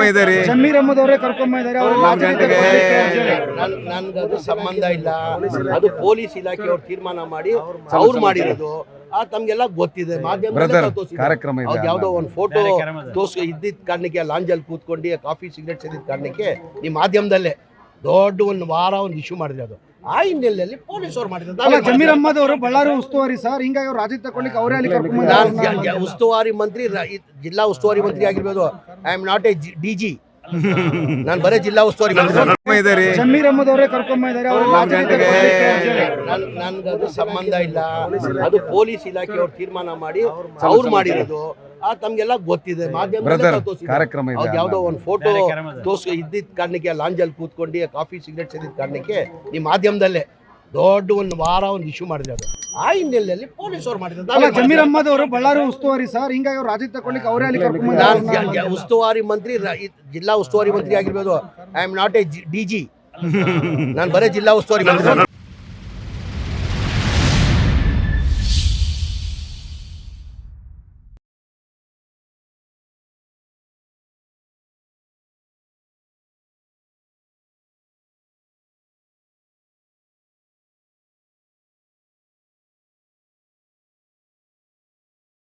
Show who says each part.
Speaker 1: ಇದ್ದಾರೆ
Speaker 2: ಜಮೀರ್ ಅಹಮದ್ ಅವರೇ ಕರ್ಕೊಂಡ್ ಇದ್ದಾರೆ.
Speaker 3: ನನ್ಗದು ಸಂಬಂಧ ಇಲ್ಲ. ಅದು ಪೊಲೀಸ್ ಇಲಾಖೆಯವ್ರು ತೀರ್ಮಾನ ಮಾಡಿ ಅವ್ರು ಮಾಡಿರೋದು. ತಮ್ಗೆಲ್ಲ ಗೊತ್ತಿದೆ. ಮಾಧ್ಯಮದಲ್ಲಿ
Speaker 1: ಕಾರ್ಯಕ್ರಮ ಇದೆ.
Speaker 3: ಯಾವ್ದೋ ಒಂದು ಫೋಟೋ ಇದ್ದಿದ್ದ ಕಾರಣಕ್ಕೆ ಲಾಂಜಲ್ಲಿ ಕೂತ್ಕೊಂಡು ಕಾಫಿ ಸಿಗರೇಟ್ ಸೇದಿದ್ದ ಕಾರಣಕ್ಕೆ ಈ ಮಾಧ್ಯಮದಲ್ಲೇ ದೊಡ್ಡ ಒಂದು ವಾರ ಒಂದು ಇಶ್ಯೂ ಮಾಡಿದ್ರೆ ಅದು ಆ ಹಿನ್ನೆಲೆಯಲ್ಲಿ ಪೊಲೀಸ್ ಅವ್ರು ಮಾಡಿದ್ರು.
Speaker 2: ಜಮೀರ್ ಅಹಮದ್ ಅವರು ಬಳ್ಳಾರಿ ಉಸ್ತುವಾರಿ ಸರ್, ಹಿಂಗಾಗಿ ಅವ್ರು ರಾಜ್ಯ ತಗೊಳ್ಳಿಕ್ಕೆ ಅವರೇ ಅಲ್ಲಿ ಕರ್ಕೊಂಡ್
Speaker 3: ಉಸ್ತುವಾರಿ ಮಂತ್ರಿ, ಜಿಲ್ಲಾ ಉಸ್ತುವಾರಿ ಮಂತ್ರಿ ಆಗಿರ್ಬೋದು. I am not a DG, ನಾನು ಬರೀ ಜಿಲ್ಲಾ ಉಸ್ತುವಾರಿ ಮಂತ್ರಿ
Speaker 1: ಇದ್ದಾರೆ.
Speaker 2: ಜಮೀರ್ ಅಹಮದ್ ಅವರೇ ಕರ್ಕೊಂಡ್ ಇದ್ದಾರೆ.
Speaker 3: ನನ್ಗದು ಸಂಬಂಧ ಇಲ್ಲ. ಅದು ಪೊಲೀಸ್ ಇಲಾಖೆಯವ್ರು ತೀರ್ಮಾನ ಮಾಡಿ ಅವ್ರು ಮಾಡಿರೋದು. ತಮ್ಗೆಲ್ಲ ಗೊತ್ತಿದೆ. ಮಾಧ್ಯಮದಲ್ಲಿ
Speaker 1: ಕಾರ್ಯಕ್ರಮ ಇದೆ.
Speaker 3: ಯಾವ್ದೋ ಒಂದು ಫೋಟೋ ಇದ್ದಿದ್ದ ಕಾರಣಕ್ಕೆ ಲಾಂಜಲ್ಲಿ ಕೂತ್ಕೊಂಡು ಕಾಫಿ ಸಿಗರೇಟ್ ಸೇದಿದ್ದ ಕಾರಣಕ್ಕೆ ಈ ಮಾಧ್ಯಮದಲ್ಲೇ ದೊಡ್ಡ ಒಂದು ವಾರ ಒಂದು ಇಶ್ಯೂ ಮಾಡಿದ್ರೆ ಅದು ಆ ಹಿನ್ನೆಲೆಯಲ್ಲಿ ಪೊಲೀಸ್ ಅವ್ರು ಮಾಡಿದ್ರು.
Speaker 2: ಜಮೀರ್ ಅಹಮದ್ ಅವರು ಬಳ್ಳಾರಿ ಉಸ್ತುವಾರಿ ಸರ್, ಹಿಂಗಾಗಿ ಅವ್ರು ರಾಜ್ಯ ತಗೊಳ್ಳಿಕ್ಕೆ ಅವರೇ ಅಲ್ಲಿ ಕರ್ಕೊಂಡ್
Speaker 3: ಉಸ್ತುವಾರಿ ಮಂತ್ರಿ, ಜಿಲ್ಲಾ ಉಸ್ತುವಾರಿ ಮಂತ್ರಿ ಆಗಿರ್ಬೋದು. I am not a DG, ನಾನು ಬರೀ ಜಿಲ್ಲಾ ಉಸ್ತುವಾರಿ ಮಂತ್ರಿ.